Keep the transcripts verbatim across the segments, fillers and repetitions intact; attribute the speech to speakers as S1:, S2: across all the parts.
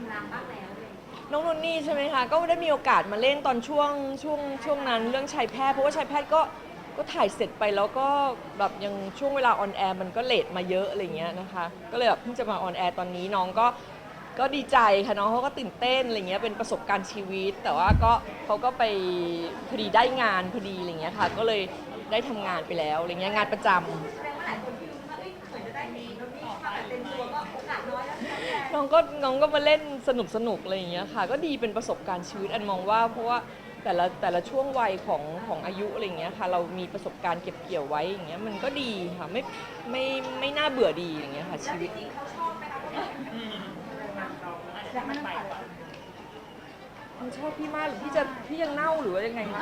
S1: งรางบ้างแล้วเลย
S2: น้องนนนี่ใช่ไหมคะก็ได้มีโอกาสมาเล่นตอนช่วงช่วงช่วงนั้นเรื่องชายแพทย์เพราะว่าชายแพทย์ก็ก็ถ่ายเสร็จไปแล้วก็แบบยังช่วงเวลาออนแอร์มันก็เลทมาเยอะอะไรเงี้ยนะคะก็เลยแบบเพิ่งจะมาออนแอร์ตอนนี้น้องก็ก็ดีใจค่ะน้องเขาก็ตื่นเต้นอะไรเงี้ยเป็นประสบการณ์ชีวิตแต่ว่าก็เขาก็ไปพอดีได้งานพอดีอะไรเงี้ยค่ะก็เลยได้ทำงานไปแล้วอะไรเงี้ยงานประจำ
S1: แสดงว่าหลายคนที่รู้ว่าเอ้ยเหมือนจะได้เห็นโดนนี่มาแบบเต็มตัวก็โอกาสน้อยแล้วที่จะ
S2: น้องก็น้องก็มาเล่นสนุกสนุกอะไรอย่างเงี้ยค่ะก็ดีเป็นประสบการณ์ชีวิตอันมองว่าเพราะว่าแต่ละแต่ละช่วงวัยของของอายุอะไรอย่างเงี้ยค่ะเรามีประสบการณ์เก็บเกี่ยวไว้อย่างเงี้ยมันก็ดีค่ะไม่ไม่ไม่น่าเบื่อดีอย่างเงี้ยค่ะชีวิต
S1: จริงๆเขาชอบไหมคะเขาแบบอยากมันไป
S2: มันชอบพี่มากหรือพี่จะพี่ยังเน่าหรือว่ายังไงคะ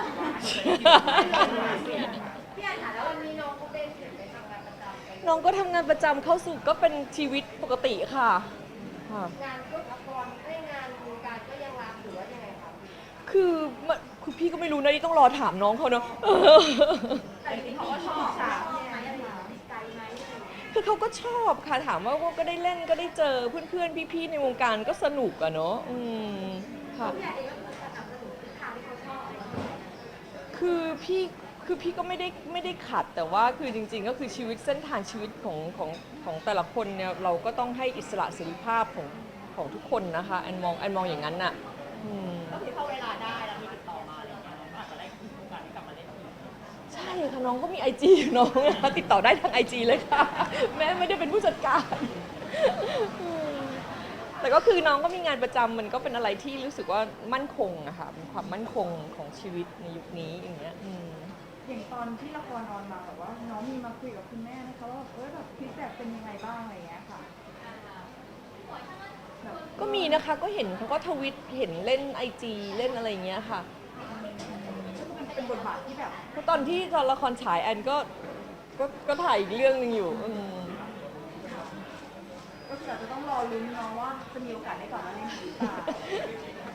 S1: พี่อันค่ะแล้ววันนี้น้องก็เป็นเห็นไปทำงานประจำกัน
S2: น้องก็ทำงานประจำเข้าสู่ก็เป็นชีวิตปกติค่ะค่ะ
S1: งานก็ละครได้งานวงการก็ยังรับหรือว่ายังไงคะ
S2: คือมันคือพี่ก็ไม่รู้นะนี่ต้องรอถามน้องเขาเนาะ
S1: แต่จริงๆเขาก็ชอบชอบไหมอะไรอย่างเงี้ยติดใจไหมอะไรอย่างเงี้ย
S2: คือเขาก็ชอบค่ะถามว่าก็ได้เล่นก็ได้เจอเพื่อนๆพี่ๆในวงการก็สนุกอะเนาะอืมค่ะ
S1: พี่อันเองก็คือสนับสนุนทิศทางที่เขาชอบอะไรอย่างเงี้ย
S2: คือพี่คือพี่ก็ไม่ได้ไม่ได้ขัดแต่ว่าคือจริงๆก็คือชีวิตเส้นทางชีวิตของของของแต่ละคนเนี่ยเราก็ต้องให้อิสระเสรีภาพของของทุกคนนะคะแอนมองแอนมองอย่างนั้นน่ะอืม
S3: ก็คือเข้าเวลาได้แล้วมีติดต่อมาอะไรอย่างเงี้ยเราก็อาจจะได้มีโอกาสได้กลับมาเล่นอีก
S2: ใช่ค่ะน้องก็มีไอจีน้องนะคะติดต่อได้ทางไอจีเลยค่ะแม่ไม่ได้เป็นผู้จัดการอืมแต่ก็คือน้องก็มีงานประจำมันก็เป็นอะไรที่รู้สึกว่ามั่นคงอะค่ะเป็นความมั่นคงของชีวิตในยุคนี้อย่างเงี้ยอืม
S4: อย่างตอนที่ละครออนมาแบบว่าน้องมีมาคุยกับคุณแม่นะคะว่าเออแบบฟีดแบ็กเป็นยังไงบ้างอะไรอย่างเงี้ยค่ะแบบ
S2: ก็มีนะคะก็เห็นเขาก็ทวิตเห็นเล่นไอจีเล่นอะไรอย่างเงี้ยค่ะ
S4: มันเป็นบทบาทที่แบบ
S2: เพราะตอนที่ตอนละครฉายแอนก็ก็ก็ถ่ายอีกเรื่องหนึงอยู่อืม
S4: ก็คืออาจจะต้องรอลุ้นเน้องว่าจะมีโอกาสได้กลับมาเล่นอีกหรือเปล่า